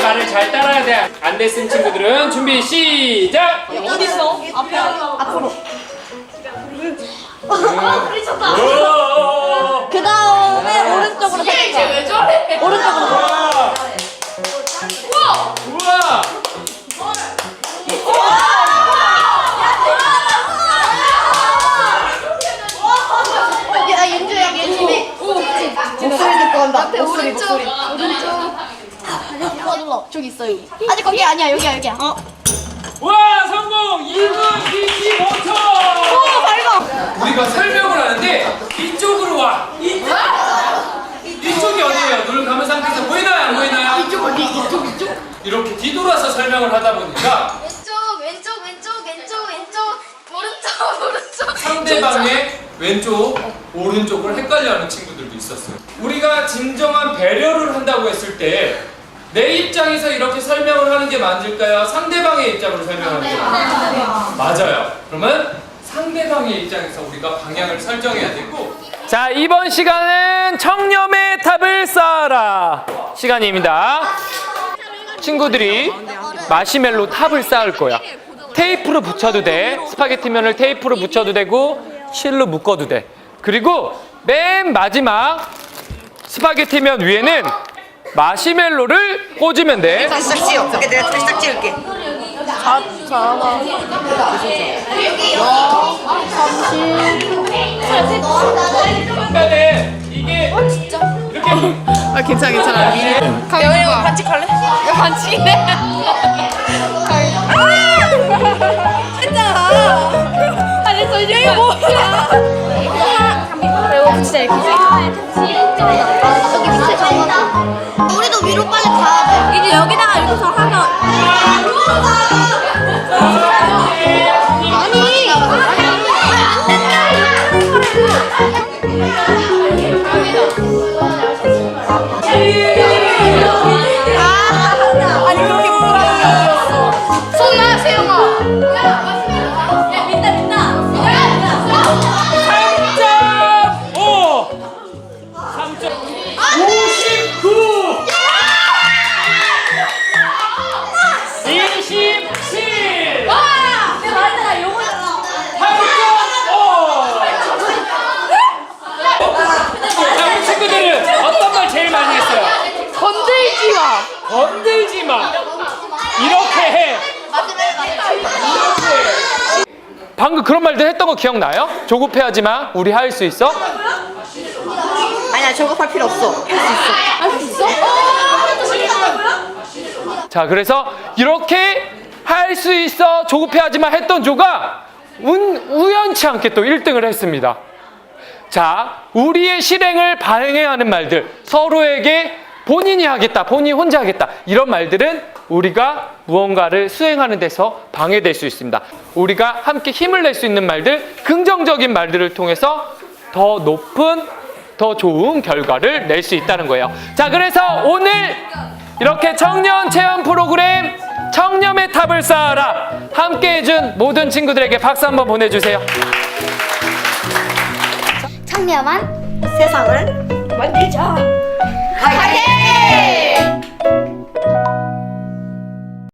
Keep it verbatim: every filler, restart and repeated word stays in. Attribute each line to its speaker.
Speaker 1: 말을 잘 따라야 돼. 안 됐은 친구들은 준비 시작.
Speaker 2: 어디 있어? 앞에 앞으로.
Speaker 3: 그 다음에 오른쪽으로 살짝.
Speaker 2: 왜 저래?
Speaker 3: 오른쪽으로.
Speaker 1: 우와. 우와.
Speaker 3: 야, 윤주야, 윤주미. 목소리 듣고 간다. 목소리, 목소리.
Speaker 2: 오른쪽.
Speaker 3: 눌러, 눌러. 저기 있어, 여기. 아직 거기 아니야, 여기야, 여기야. 어.
Speaker 1: 와, 성공! 이 분 이십오 초!
Speaker 3: 오, 밝아.
Speaker 1: 우리가 설명을 하는데 이쪽으로 와. 이쪽. 이쪽이 어디예요? 눈을 감은 상태에서 보이나요? 안 보이나요?
Speaker 2: 이쪽 어디? 이쪽 이쪽.
Speaker 1: 이렇게 뒤돌아서 설명을 하다 보니까
Speaker 2: 왼쪽 왼쪽 왼쪽 왼쪽 왼쪽 오른쪽 오른쪽.
Speaker 1: 상대방의 왼쪽, 오른쪽을 헷갈려하는 친구들도 있었어요. 우리가 진정한 배려를 한다고 했을 때 내 입장에서 이렇게 설명을 하는 게 맞을까요? 상대방의 입장으로 설명하는 게 맞을까요? 맞아요. 그러면 상대방의 입장에서 우리가 방향을 설정해야 되고, 자, 이번 시간은 청렴의 탑을 쌓아라 시간입니다. 친구들이 마시멜로 탑을 쌓을 거야. 테이프로 붙여도 돼. 스파게티면을 테이프로 붙여도 되고 실로 묶어도 돼. 그리고 맨 마지막 스파게티면 위에는 마시멜로를 꽂으면 돼.
Speaker 4: 살짝 찌워. 그게 내가 살짝 찌울게.
Speaker 3: 자, 자,
Speaker 1: 중간에 이게 이렇게
Speaker 4: 아 괜찮아 괜찮아.
Speaker 2: 여기 반칙 할래? 이거 반칙이네. 했잖아. 아니 저 이게 뭐야? 이거 진짜
Speaker 3: 여기 밑에. 우리도 위로 빨리 가야 돼.
Speaker 2: 이제 여기다가 이렇게 하면.
Speaker 3: 아니, 그렇게 뭐라고.
Speaker 2: 손나 세영아. 야 민다 민다.
Speaker 1: 삼 점 오! 삼 점 오십구! 이십칠!
Speaker 2: 와! 내가 말했잖아 요거잖아.
Speaker 1: 팔 점 오! 자, 우리 친구들은 어떤 말 제일 많이 했어요?
Speaker 2: 건들지 마.
Speaker 1: 건들지 마! 이렇게 해! 방금 그런 말들 했던 거 기억나요? 조급해하지 마. 우리 할 수 있어?
Speaker 4: 아니야 저거 할 필요 없어. 할 수 있어.
Speaker 2: 할 수 있어?
Speaker 1: 자, 그래서 이렇게 할 수 있어, 조급해하지 마 했던 조가 운, 우연치 않게 또 일 등을 했습니다. 자, 우리의 실행을 발행하는 말들, 서로에게 본인이 하겠다, 본인이 혼자 하겠다, 이런 말들은 우리가 무언가를 수행하는 데서 방해될 수 있습니다. 우리가 함께 힘을 낼 수 있는 말들, 긍정적인 말들을 통해서 더 높은, 더 좋은 결과를 낼 수 있다는 거예요. 자, 그래서 오늘 이렇게 청년 체험 프로그램 청렴의 탑을 쌓아라 함께 해준 모든 친구들에게 박수 한번 보내주세요.
Speaker 3: 청렴한
Speaker 4: 세상을
Speaker 3: 만들자.
Speaker 4: 화이팅!